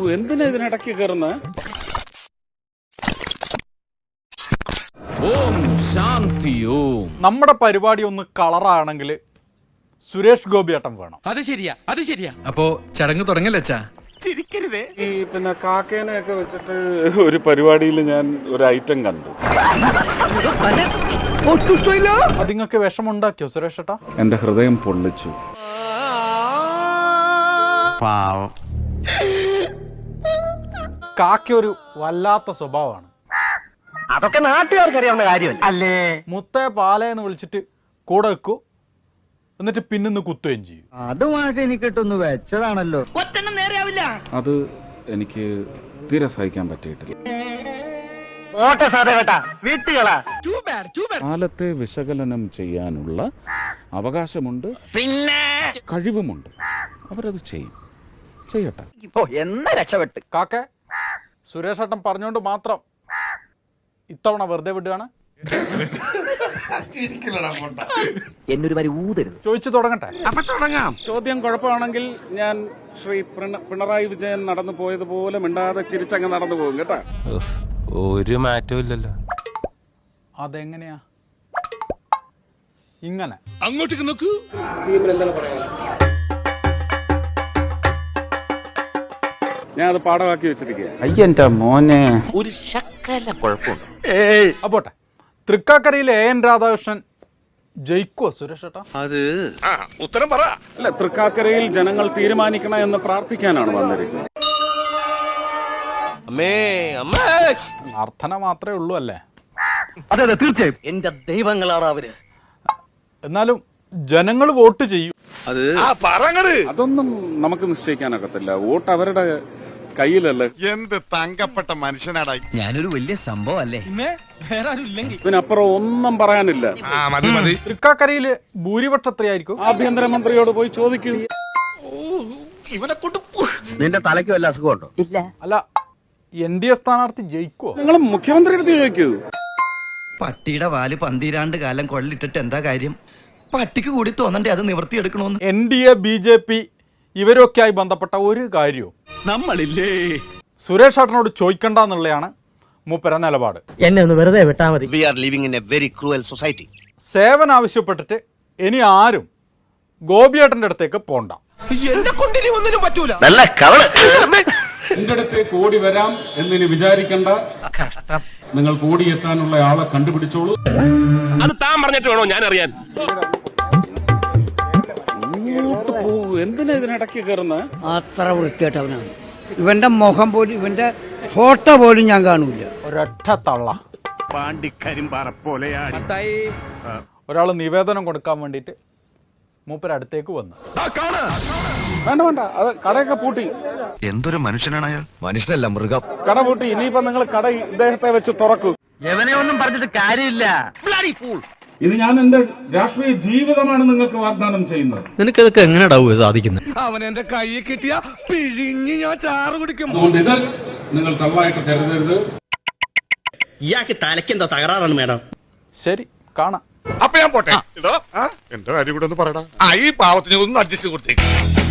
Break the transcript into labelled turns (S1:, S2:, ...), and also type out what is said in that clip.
S1: എന്തിനാ ഇതിനിടയ്ക്ക് കയറുന്നത്?
S2: ഓം ശാന്തി ഓം.
S3: നമ്മുടെ പരിപാടി ഒന്ന് കളറാണെങ്കിൽ സുരേഷ് ഗോപിയേട്ടൻ വേണം.
S4: അത് ശരിയാ.
S5: അപ്പോ ചടങ്ങ് തുടങ്ങല്ലേ?
S1: ഈ പിന്നെ കാക്കേനെയൊക്കെ വെച്ചിട്ട് ഒരു പരിപാടിയിൽ ഞാൻ ഒരു ഐറ്റം കണ്ടു.
S3: അത് നിങ്ങൾക്ക് വിഷമുണ്ടാക്കിയോ സുരേഷ് ഏട്ടാ?
S1: എന്റെ ഹൃദയം പൊള്ളിച്ചു.
S3: കാക്ക ഒരു വല്ലാത്ത സ്വഭാവമാണ്.
S4: അതൊക്കെ നാട്ടുകാർക്ക് അറിയാവുന്ന കാര്യം അല്ലേ?
S3: മുത്തേ പാലേന്ന് വിളിച്ചിട്ട് കൂടെ വെക്കൂ, എന്നിട്ട് പിന്നിന്ന് കുത്തുകയും ചെയ്യും.
S6: അതുമായിട്ട് എനിക്കിട്ടൊന്ന് വെച്ചതാണല്ലോ.
S1: അത് എനിക്ക് തീരെ സഹിക്കാൻ പറ്റിയിട്ടില്ല. കാലത്തെ വിശകലനം ചെയ്യാനുള്ള അവകാശമുണ്ട്, പിന്നെ കഴിവുമുണ്ട്. അവരത് ചെയ്യട്ടെ.
S4: എന്ന രക്ഷപ്പെട്ട്.
S3: കാക്ക സുരേഷ് ഏട്ടൻ പറഞ്ഞുകൊണ്ട് മാത്രം ഇത്തവണ വെറുതെ വിടുകയാണ്.
S4: എന്നൊരു വരി ഊതരുത്.
S3: ചോദിച്ചു തുടങ്ങട്ടെ?
S1: ചോദ്യം കുഴപ്പമാണെങ്കിൽ ഞാൻ ശ്രീ പിണറായി വിജയൻ നടന്നു പോയതുപോലെ മിണ്ടാതെ ചിരിച്ചങ്ങ് നടന്നു പോകും കേട്ടാ.
S7: ഒരു മാറ്റവും ഇല്ലല്ലോ.
S3: അതെങ്ങനെയാ ഇങ്ങനെ?
S7: അങ്ങോട്ടേക്ക് നോക്കൂ.
S1: ഞാൻ അത് പാഠമാക്കി വെച്ചിരിക്കുക.
S6: അയ്യന്റെ മോനെ,
S4: ഒരു ശക്കല കുഴപ്പമുണ്ട്.
S3: അപ്പോട്ടെ, തൃക്കാക്കരയിലെ AN രാധാകൃഷ്ണൻ ജയിക്കുവോ സുരേഷ് ഏട്ടാ?
S7: അത് ഉത്തരം പറ.
S1: അല്ല, തൃക്കാക്കരയിൽ ജനങ്ങൾ തീരുമാനിക്കണം എന്ന് പ്രാർത്ഥിക്കാനാണ് വന്നിരിക്കുന്നത്.
S3: പ്രാർത്ഥന മാത്രമേ ഉള്ളൂ അല്ലേ?
S4: അതെ തീർച്ചയായും. എന്റെ ദൈവങ്ങളാണ് അവര്.
S3: എന്നാലും ജനങ്ങൾ വോട്ട് ചെയ്യും.
S7: അത്
S1: അതൊന്നും നമുക്ക് നിശ്ചയിക്കാനൊക്കത്തില്ല. വോട്ട് അവരുടെ കയ്യിലല്ലേ.
S7: എന്ത് തങ്കപ്പെട്ട മനുഷ്യനാടായി.
S5: ഞാനൊരു വലിയ സംഭവം അല്ലേ?
S1: ഇതിനപ്പുറം ഒന്നും പറയാനില്ല.
S3: തൃക്കാക്കരയില് ഭൂരിപക്ഷം എത്രയായിരിക്കും?
S1: ആഭ്യന്തരമന്ത്രിയോട് പോയി ചോദിക്കൂ.
S6: നിന്റെ തലയ്ക്ക് വല്ല അസുഖമുണ്ടോ?
S4: ഇല്ല.
S3: അല്ല, NDA സ്ഥാനാർത്ഥി ജയിക്കുവോ?
S1: നിങ്ങൾ മുഖ്യമന്ത്രിയുടെ അടുത്ത് ചോദിക്കൂ.
S5: പട്ടിയുടെ വാല് പന്തിരാണ്ട് കാലം കൊള്ളിട്ടിട്ട് എന്താ കാര്യം? പട്ടിക്ക് കൂടി തോന്നണ്ടേ അത് നിവർത്തിയെടുക്കണോന്ന്?
S3: NDA BJP ഇവരൊക്കെയായി ബന്ധപ്പെട്ട ഒരു കാര്യവും
S7: നമ്മളില്ലേ
S3: സുരേഷ് ഏട്ടനോട് ചോദിക്കണ്ടെന്നുള്ളതാണ് മൂപ്പര നിലപാട്.
S4: എന്നെ ഒന്ന് വെറുതെ വിട്ടാ മതി.
S7: We are living in a very cruel society.
S3: സേവനം ആവശ്യപ്പെട്ടിട്ട് ഇനി ആരും ഗോപിയേട്ടന്റെ അടുത്തേക്ക് പോണ്ട.
S4: നല്ല കവള്.
S1: എന്റെ അടുത്തേക്ക് ഓടി വരാം എന്നിനി വിചാരിക്കണ്ട. നിങ്ങൾ ഓടിയെത്താനുള്ള ആളെ കണ്ടുപിടിച്ചോളൂ.
S2: അത് താൻ പറഞ്ഞിട്ട് വേണോ ഞാൻ അറിയാൻ?
S1: ഇങ്ങോട്ട് പോകൂ. എന്തിനാ ഇതിനിടയ്ക്ക് കയറുന്നത്?
S6: അത്ര വൃത്തിയായിട്ടവനാണ്. ഇവന്റെ മുഖം പോലും, ഇവന്റെ ഫോട്ടോ പോലും ഞാൻ കാണൂല.
S3: ഒരൊറ്റ തള്ള. ഒരാൾ നിവേദനം കൊടുക്കാൻ വേണ്ടിയിട്ട് മൂപ്പര അടുത്തേക്ക് വന്നു.
S1: വേണ്ട, അത് കടയൊക്കെ പൂട്ടി.
S7: എന്തൊരു മനുഷ്യനാണ് അയാൾ.
S5: മനുഷ്യനല്ല, മൃഗം.
S1: കട പൂട്ടി. ഇനിയിപ്പോ നിങ്ങൾ കട ഇദ്ദേഹത്തെ വെച്ച് തുറക്കൂ.
S4: എവനെ ഒന്നും പറഞ്ഞിട്ട് കാര്യമില്ല.
S1: ഇത് ഞാൻ എന്റെ രാഷ്ട്രീയ ജീവിതമാണ് നിങ്ങൾക്ക് വാഗ്ദാനം ചെയ്യുന്നത്.
S5: നിനക്കതൊക്കെ എങ്ങനെയാ സാധിക്കുന്നത്?
S4: അവൻ എന്റെ കൈ കിട്ടിയ പിഴിഞ്ഞ് ഞാൻ ചാറ് കുടിക്കും.
S1: അതുകൊണ്ട് ഇത് നിങ്ങൾ തള്ളായിട്ട് കരുതരുത്.
S8: ഇയാൾക്ക് തലയ്ക്കെന്താ തകരാറാണ് മേഡം?
S3: ശരി, കാണാം.
S7: അപ്പൊ ഞാൻ പോട്ടെ. എന്റെ കാര്യം കൂടെ ഒന്ന് പറയടാ. ഈ പാവത്തിന് ഒന്ന് അഡ്ജസ്റ്റ് കൊടുത്തേക്ക്.